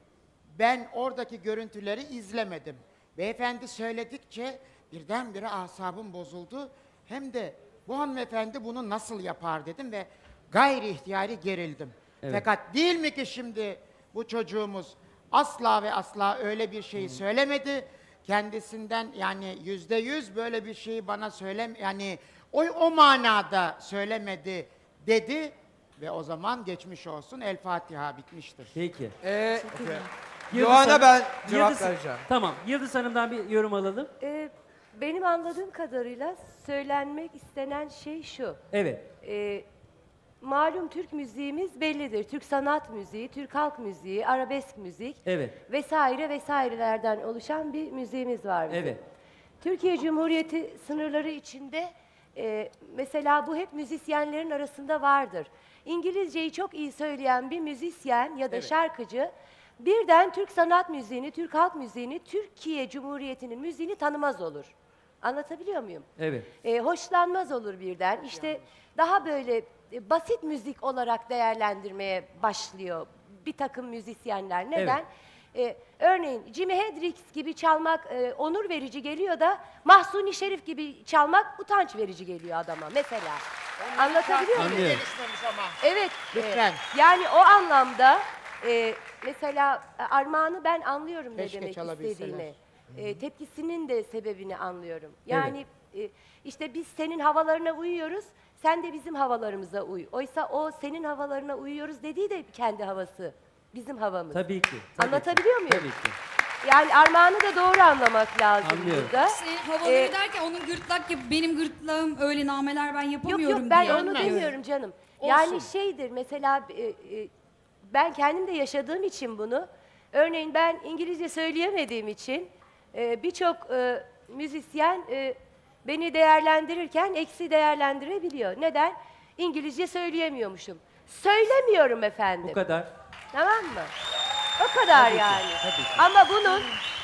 [SPEAKER 7] ben oradaki görüntüleri izlemedim. Beyefendi söyledikçe birdenbire asabım bozuldu. Hem de bu hanımefendi bunu nasıl yapar dedim ve gayri ihtiyari gerildim.
[SPEAKER 1] Evet.
[SPEAKER 7] Fakat değil mi ki şimdi bu çocuğumuz asla ve asla öyle bir şeyi söylemedi. Kendisinden yani yüzde yüz böyle bir şeyi bana söylem yani o, o manada söylemedi dedi ve o zaman geçmiş olsun El Fatiha bitmiştir.
[SPEAKER 1] Peki.
[SPEAKER 2] Ee,
[SPEAKER 1] Yıldız
[SPEAKER 2] Yohan'a
[SPEAKER 1] Hanım-
[SPEAKER 2] ben cevap
[SPEAKER 1] Yıldız-
[SPEAKER 2] vereceğim.
[SPEAKER 1] Tamam. Yıldız Hanım'dan bir yorum alalım.
[SPEAKER 5] Ee, benim anladığım kadarıyla söylenmek istenen şey şu.
[SPEAKER 1] Evet.
[SPEAKER 5] Ee, malum Türk müziğimiz bellidir. Türk sanat müziği, Türk halk müziği, arabesk müzik
[SPEAKER 1] Evet.
[SPEAKER 5] vesaire vesairelerden oluşan bir müziğimiz var bizim.
[SPEAKER 1] Evet.
[SPEAKER 5] Türkiye Cumhuriyeti sınırları içinde e, mesela bu hep müzisyenlerin arasında vardır. İngilizceyi çok iyi söyleyen bir müzisyen ya da
[SPEAKER 1] Evet.
[SPEAKER 5] şarkıcı birden Türk sanat müziğini, Türk halk müziğini, Türkiye Cumhuriyeti'nin müziğini tanımaz olur. Anlatabiliyor muyum?
[SPEAKER 1] Evet.
[SPEAKER 5] E, hoşlanmaz olur birden. İşte daha böyle e, basit müzik olarak değerlendirmeye başlıyor bir takım müzisyenler. Neden? E, örneğin Jimi Hendrix gibi çalmak e, onur verici geliyor da Mahsuni Şerif gibi çalmak utanç verici geliyor adama mesela. Anlatabiliyor muyum?
[SPEAKER 1] Anlıyorum.
[SPEAKER 5] Evet. e,
[SPEAKER 7] Lütfen.
[SPEAKER 5] yani o anlamda e, mesela e, Armağan'ı ben anlıyorum ne
[SPEAKER 7] Keşke
[SPEAKER 5] demek
[SPEAKER 7] çalabilseler.
[SPEAKER 5] istediğini. E, tepkisinin de sebebini anlıyorum. Yani e, işte biz senin havalarına uyuyoruz, sen de bizim havalarımıza uy. Oysa o senin havalarına uyuyoruz dediği de kendi havası, bizim havamız.
[SPEAKER 1] Tabii ki. tabii
[SPEAKER 5] Anlatabiliyor
[SPEAKER 1] ki,
[SPEAKER 5] muyum?
[SPEAKER 1] Tabii ki.
[SPEAKER 5] Yani Armağan'ı da doğru anlamak lazım
[SPEAKER 1] Anlıyorum.
[SPEAKER 5] burada.
[SPEAKER 3] Senin havaları
[SPEAKER 5] Ee,
[SPEAKER 3] derken onun gırtlak gibi benim gırtlağım öyle nameler ben
[SPEAKER 5] Yok
[SPEAKER 3] yapamıyorum
[SPEAKER 5] yok ben
[SPEAKER 3] diye.
[SPEAKER 5] onu
[SPEAKER 3] anlıyorum.
[SPEAKER 5] demiyorum canım.
[SPEAKER 3] Olsun.
[SPEAKER 5] Yani şeydir mesela e, e, ben kendim de yaşadığım için bunu. Örneğin ben İngilizce söyleyemediğim için e, birçok e, müzisyen e, beni değerlendirirken eksi değerlendirebiliyor. Neden? İngilizce söyleyemiyormuşum. Söylemiyorum efendim.
[SPEAKER 1] Bu kadar.
[SPEAKER 5] Tamam mı? O kadar
[SPEAKER 1] Tabii ki,
[SPEAKER 5] yani.
[SPEAKER 1] tabii ki.
[SPEAKER 5] Ama bunun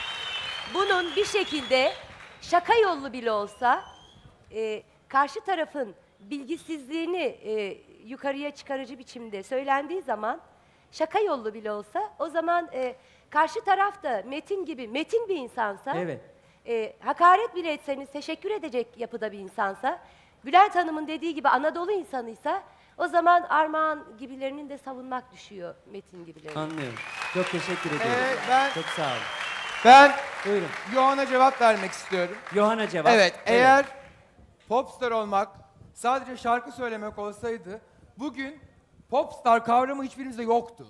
[SPEAKER 5] bunun bir şekilde şaka yollu bile olsa e, karşı tarafın bilgisizliğini e, yukarıya çıkarıcı biçimde söylendiği zaman şaka yollu bile olsa o zaman e, karşı taraf da Metin gibi Metin bir insansa
[SPEAKER 1] Evet.
[SPEAKER 5] e, hakaret bile etseniz teşekkür edecek yapıda bir insansa Bülent Hanım'ın dediği gibi Anadolu insanıysa o zaman Armağan gibilerinin de savunmak düşüyor Metin gibilerinin.
[SPEAKER 1] Anlıyorum. Çok teşekkür ederim.
[SPEAKER 2] Ee, ben
[SPEAKER 1] Çok sağ olun.
[SPEAKER 2] ben
[SPEAKER 1] Buyurun.
[SPEAKER 2] Yohan'a cevap vermek istiyorum.
[SPEAKER 1] Yohan'a cevap.
[SPEAKER 2] Evet, eğer popstar olmak sadece şarkı söylemek olsaydı bugün popstar kavramı hiçbirimizde yoktu.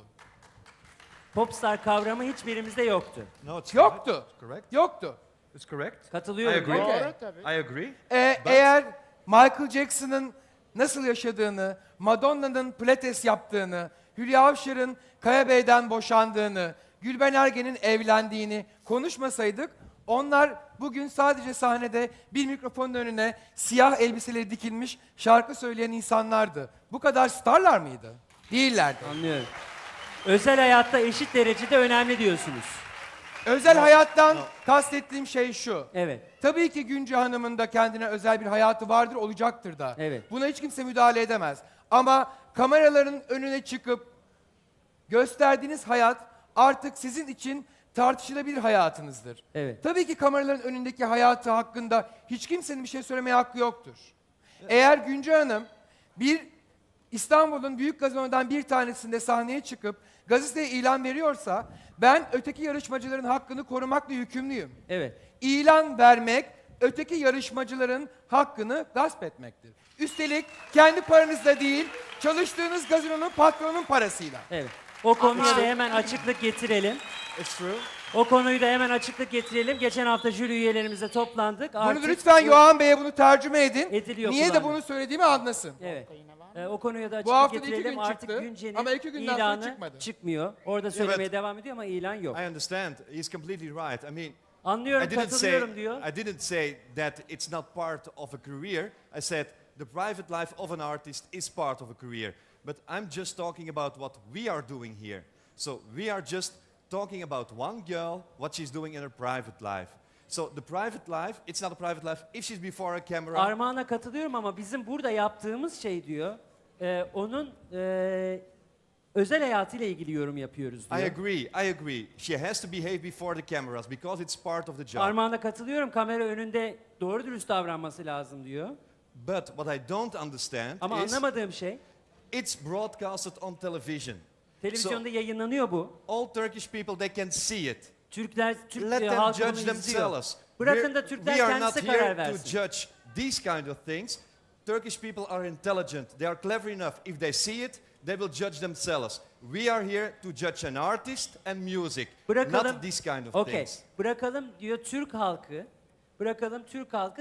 [SPEAKER 1] Popstar kavramı hiçbirimizde yoktu.
[SPEAKER 4] No, it's
[SPEAKER 2] Yoktu.
[SPEAKER 4] correct. It's correct.
[SPEAKER 2] Yoktu.
[SPEAKER 4] It's correct.
[SPEAKER 1] Katılıyorum.
[SPEAKER 4] I agree.
[SPEAKER 1] Okey.
[SPEAKER 7] Doğru tabii.
[SPEAKER 4] I agree.
[SPEAKER 2] Ee, eğer Michael Jackson'ın nasıl yaşadığını, Madonna'nın pilates yaptığını, Hülya Avşar'ın Kaya Bey'den boşandığını, Gülben Ergen'in evlendiğini konuşmasaydık, onlar bugün sadece sahnede bir mikrofonun önüne siyah elbiseleri dikilmiş şarkı söyleyen insanlardı. Bu kadar starlar mıydı? Değillerdi.
[SPEAKER 1] Anlıyorum. Özel hayatta eşit derecede önemli diyorsunuz.
[SPEAKER 2] Özel hayattan kastettiğim şey şu.
[SPEAKER 1] Evet.
[SPEAKER 2] Tabii ki Günce Hanım'ın da kendine özel bir hayatı vardır, olacaktır da.
[SPEAKER 1] Evet.
[SPEAKER 2] Buna hiç kimse müdahale edemez. Ama kameraların önüne çıkıp gösterdiğiniz hayat artık sizin için tartışılabilir hayatınızdır.
[SPEAKER 1] Evet.
[SPEAKER 2] Tabii ki kameraların önündeki hayatı hakkında hiç kimsenin bir şey söylemeye hakkı yoktur. Eğer Günce Hanım bir İstanbul'un büyük gazinolardan bir tanesinde sahneye çıkıp gazeteye ilan veriyorsa ben öteki yarışmacıların hakkını korumakla yükümlüyüm.
[SPEAKER 1] Evet.
[SPEAKER 2] İlan vermek öteki yarışmacıların hakkını gasp etmektir. Üstelik kendi paranızla değil, çalıştığınız gazinonun patronun parasıyla.
[SPEAKER 1] Evet. O konuya da hemen açıklık getirelim.
[SPEAKER 4] It's true.
[SPEAKER 1] O konuyu da hemen açıklık getirelim. Geçen hafta jüri üyelerimizle toplandık.
[SPEAKER 2] Bunu
[SPEAKER 1] Artık
[SPEAKER 2] lütfen
[SPEAKER 1] bu-
[SPEAKER 2] Yohan Bey'e bunu tercüme edin.
[SPEAKER 1] Ediliyor
[SPEAKER 2] Niye de
[SPEAKER 1] kulağına.
[SPEAKER 2] bunu söylediğimi anlasın.
[SPEAKER 1] Evet. Ee, o konuya da
[SPEAKER 2] Bu
[SPEAKER 1] açıklık
[SPEAKER 2] hafta da iki
[SPEAKER 1] getirelim.
[SPEAKER 2] gün
[SPEAKER 1] Artık
[SPEAKER 2] çıktı
[SPEAKER 1] Günce'nin
[SPEAKER 2] ama iki günden sonra
[SPEAKER 1] ilanı
[SPEAKER 2] çıkmadı.
[SPEAKER 1] çıkmıyor. Orada söylemeye devam ediyor ama ilan yok.
[SPEAKER 4] I understand. He's completely right. I mean,
[SPEAKER 1] Anlıyorum,
[SPEAKER 4] I didn't say
[SPEAKER 1] katılıyorum diyor.
[SPEAKER 4] I didn't say that it's not part of a career. I said the private life of an artist is part of a career. But I'm just talking about what we are doing here. So we are just talking about one girl, what she's doing in her private life. So the private life, it's not a private life if she's before a camera.
[SPEAKER 1] Armağan'a katılıyorum ama bizim burada yaptığımız şey diyor, e, onun e, özel hayatıyla ilgili yorum yapıyoruz diyor.
[SPEAKER 4] I agree, I agree. She has to behave before the cameras because it's part of the job.
[SPEAKER 1] Armağan'a katılıyorum, kamera önünde doğru dürüst davranması lazım diyor.
[SPEAKER 4] But what I don't understand
[SPEAKER 1] Ama
[SPEAKER 4] is
[SPEAKER 1] anlamadığım şey,
[SPEAKER 4] it's broadcasted on television.
[SPEAKER 1] televizyonda yayınlanıyor bu.
[SPEAKER 4] All Turkish people, they can see it.
[SPEAKER 1] Türkler, Türk
[SPEAKER 4] Let
[SPEAKER 1] e,
[SPEAKER 4] them
[SPEAKER 1] halkı
[SPEAKER 4] judge
[SPEAKER 1] bunu izliyor.
[SPEAKER 4] themselves.
[SPEAKER 1] Bırakın
[SPEAKER 4] We're-
[SPEAKER 1] da Türkler
[SPEAKER 4] we are not
[SPEAKER 1] kendisi
[SPEAKER 4] here
[SPEAKER 1] karar
[SPEAKER 4] to
[SPEAKER 1] versin.
[SPEAKER 4] judge these kind of things. Turkish people are intelligent. They are clever enough. If they see it, they will judge themselves. We are here to judge an artist and music,
[SPEAKER 1] Bırakalım.
[SPEAKER 4] not these kind of
[SPEAKER 1] Okey.
[SPEAKER 4] things.
[SPEAKER 1] Bırakalım diyor Türk halkı. Bırakalım Türk halkı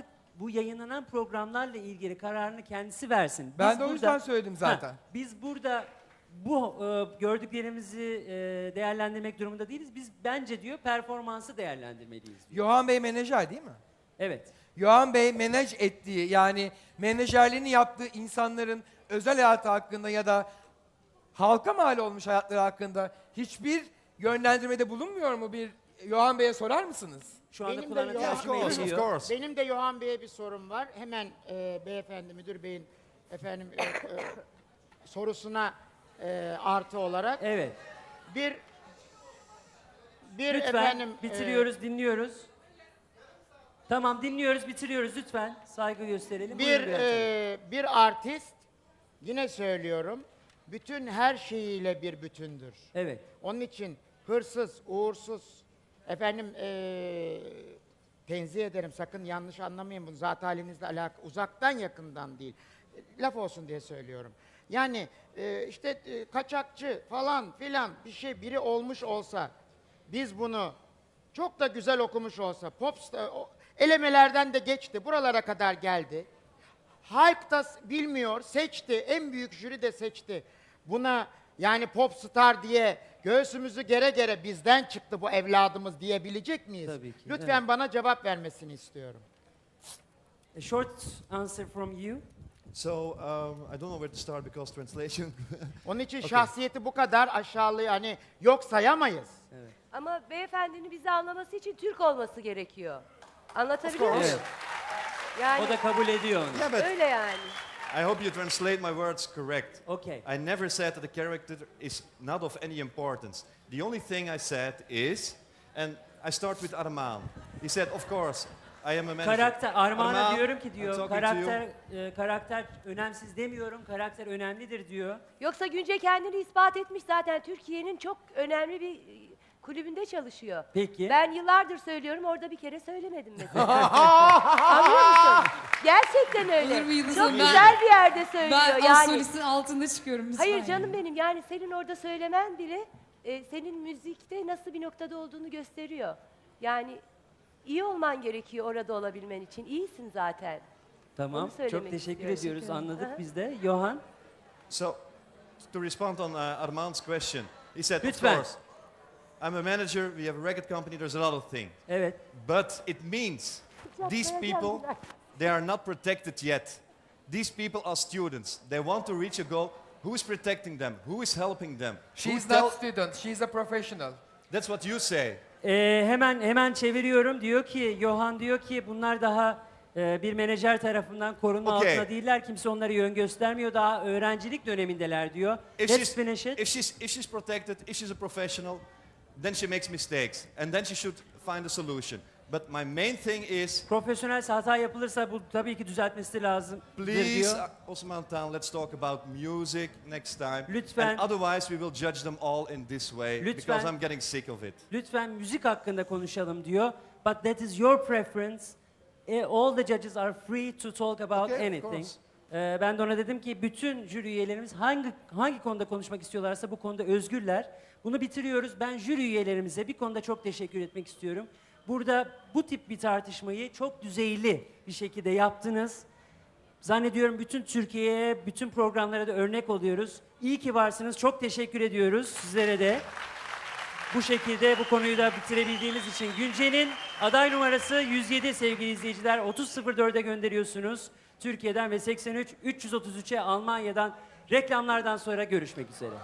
[SPEAKER 1] bu yayınlanan programlarla ilgili kararını kendisi versin.
[SPEAKER 2] Ben
[SPEAKER 1] Biz
[SPEAKER 2] de o
[SPEAKER 1] burada-
[SPEAKER 2] yüzden söyledim zaten.
[SPEAKER 1] Ha, biz burada bu e, gördüklerimizi e, değerlendirmek durumunda değiliz. Biz bence diyor performansı değerlendirmeliyiz diyor.
[SPEAKER 2] Yohan Bey menajer değil mi?
[SPEAKER 1] Evet.
[SPEAKER 2] Yohan Bey menaj ettiği yani menajerliğini yaptığı insanların özel hayatı hakkında ya da halka mal olmuş hayatları hakkında hiçbir yönlendirmede bulunmuyor mu? Bir Yohan Bey'e sorar mısınız?
[SPEAKER 1] Şu anda
[SPEAKER 7] Benim de
[SPEAKER 1] kulağına
[SPEAKER 7] Yohan-
[SPEAKER 1] tercüme
[SPEAKER 4] Of course, of
[SPEAKER 1] ediliyor.
[SPEAKER 4] course.
[SPEAKER 7] Benim de Yohan Bey'e bir sorum var. Hemen e, beyefendi müdür beyin efendim e, e, sorusuna e, artı olarak
[SPEAKER 1] Evet.
[SPEAKER 7] bir bir
[SPEAKER 1] Lütfen
[SPEAKER 7] efendim e,
[SPEAKER 1] bitiriyoruz, dinliyoruz. Tamam dinliyoruz, bitiriyoruz lütfen. Saygı gösterelim.
[SPEAKER 7] bir
[SPEAKER 1] Buyurun Bülent Hanım.
[SPEAKER 7] e, bir artist yine söylüyorum bütün her şeyiyle bir bütündür.
[SPEAKER 1] Evet.
[SPEAKER 7] Onun için hırsız, uğursuz, efendim eee tenzih ederim sakın yanlış anlamayın bunu zat halinizle alakalı uzaktan yakından değil. E, Laf olsun diye söylüyorum. Yani eee, işte e, kaçakçı falan filan bir şey biri olmuş olsa biz bunu çok da güzel okumuş olsa popstar o- elemelerden de geçti buralara kadar geldi. Halk da s- bilmiyor, seçti, en büyük jüri de seçti. Buna yani popstar diye göğsümüzü gere gere bizden çıktı bu evladımız diyebilecek miyiz?
[SPEAKER 1] Tabii ki,
[SPEAKER 7] Lütfen
[SPEAKER 1] evet.
[SPEAKER 7] bana cevap vermesini istiyorum.
[SPEAKER 1] A short answer from you.
[SPEAKER 4] So um, I don't know where to start because translation.
[SPEAKER 7] Onun için şahsiyeti bu kadar aşağılığı hani yok sayamayız.
[SPEAKER 5] Ama beyefendinin bizi anlaması için Türk olması gerekiyor. Anlatabiliyor muyum?
[SPEAKER 1] Evet.
[SPEAKER 5] Yani
[SPEAKER 1] O da kabul ediyor onu.
[SPEAKER 4] Yeah, but
[SPEAKER 5] öyle yani.
[SPEAKER 4] I hope you translate my words correct.
[SPEAKER 1] Okay.
[SPEAKER 4] I never said that the character is not of any importance. The only thing I said is, and I start with Arman. He said, of course, I am a manager.
[SPEAKER 1] Karakter, Armağan'a
[SPEAKER 4] Armağan,
[SPEAKER 1] diyorum ki
[SPEAKER 4] I'm
[SPEAKER 1] diyor,
[SPEAKER 4] talking to you.
[SPEAKER 1] karakter e, karakter önemsiz demiyorum, karakter önemlidir diyor.
[SPEAKER 5] Yoksa Günce kendini ispat etmiş zaten. Türkiye'nin çok önemli bir e, kulübünde çalışıyor.
[SPEAKER 1] Peki.
[SPEAKER 5] Ben yıllardır söylüyorum orada bir kere söylemedim mesela. Anlıyor musun? Gerçekten öyle.
[SPEAKER 3] Olur mu Yıldız
[SPEAKER 5] Çok
[SPEAKER 3] Hanım? Ben-
[SPEAKER 5] güzel bir yerde söylüyor
[SPEAKER 3] Ben
[SPEAKER 5] yani.
[SPEAKER 3] astrolojinin altında çıkıyorum lütfen.
[SPEAKER 5] Hayır canım benim yani senin orada söylemen bile e, senin müzikte nasıl bir noktada olduğunu gösteriyor. Yani iyi olman gerekiyor orada olabilmen için. İyisin zaten.
[SPEAKER 1] Tamam.
[SPEAKER 5] Onu söylemek
[SPEAKER 1] Çok teşekkür
[SPEAKER 5] istiyorum.
[SPEAKER 1] ediyoruz. Anladık
[SPEAKER 5] Aha.
[SPEAKER 1] biz de. Johan.
[SPEAKER 4] So, to respond on uh, Armand's question, he said, of
[SPEAKER 1] Lütfen.
[SPEAKER 4] course, I'm a manager, we have a record company, there's a lot of things.
[SPEAKER 1] Evet.
[SPEAKER 4] But it means these people, they are not protected yet. These people are students. They want to reach a goal. Who is protecting them? Who is helping them? Who
[SPEAKER 2] She's
[SPEAKER 4] tell-
[SPEAKER 2] not student, she's a professional.
[SPEAKER 4] That's what you say.
[SPEAKER 1] Ee, hemen hemen çeviriyorum. Diyor ki Johan diyor ki bunlar daha e, bir menajer tarafından korunma
[SPEAKER 4] Okay.
[SPEAKER 1] altında değiller. Kimse onlara yön göstermiyor. Daha öğrencilik dönemindeler diyor.
[SPEAKER 4] If
[SPEAKER 1] Let's
[SPEAKER 4] she's,
[SPEAKER 1] finish it.
[SPEAKER 4] if she's if she's protected, if she's a professional, then she makes mistakes, and then she should find a solution. But my main thing is,
[SPEAKER 1] Profesyonelse hata yapılırsa bu tabii ki düzeltmesi lazım
[SPEAKER 4] please,
[SPEAKER 1] diyor.
[SPEAKER 4] uh, Osman Tan, let's talk about music next time.
[SPEAKER 1] Lütfen.
[SPEAKER 4] And otherwise, we will judge them all in this way
[SPEAKER 1] Lütfen.
[SPEAKER 4] because I'm getting sick of it.
[SPEAKER 1] Lütfen müzik hakkında konuşalım diyor. But that is your preference. Eh, all the judges are free to talk about
[SPEAKER 4] Okay, of
[SPEAKER 1] anything.
[SPEAKER 4] course.
[SPEAKER 1] Ee, ben de ona dedim ki bütün jüri üyelerimiz hangi hangi konuda konuşmak istiyorlarsa bu konuda özgürler. Bunu bitiriyoruz. Ben jüri üyelerimize bir konuda çok teşekkür etmek istiyorum. Burada bu tip bir tartışmayı çok düzeyli bir şekilde yaptınız. Zannediyorum bütün Türkiye'ye, bütün programlara da örnek oluyoruz. İyi ki varsınız. Çok teşekkür ediyoruz sizlere de. Bu şekilde bu konuyu da bitirebildiğimiz için Günce'nin aday numarası yüz yedi sevgili izleyiciler. otuz sıfır dörde gönderiyorsunuz. Türkiye'den ve seksen üç üç yüz otuz üçe Almanya'dan reklamlardan sonra görüşmek üzere.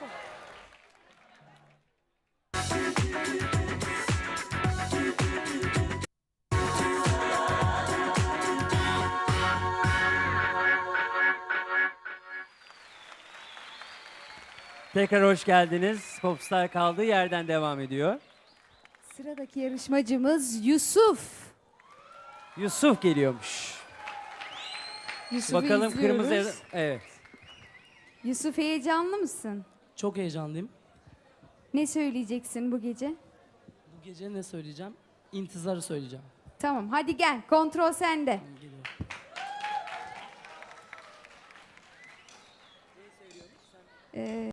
[SPEAKER 1] Tekrar hoş geldiniz. Popstar kaldığı yerden devam ediyor.
[SPEAKER 9] Sıradaki yarışmacımız Yusuf.
[SPEAKER 1] Yusuf geliyormuş.
[SPEAKER 9] Yusuf'u
[SPEAKER 1] Bakalım
[SPEAKER 9] izliyoruz.
[SPEAKER 1] kırmızı... Evet.
[SPEAKER 9] Yusuf heyecanlı mısın?
[SPEAKER 10] Çok heyecanlıyım.
[SPEAKER 9] Ne söyleyeceksin bu gece?
[SPEAKER 10] Bu gece ne söyleyeceğim? İntizarı söyleyeceğim.
[SPEAKER 9] Tamam hadi gel kontrol sende.
[SPEAKER 10] Geliyor.
[SPEAKER 9] Ee,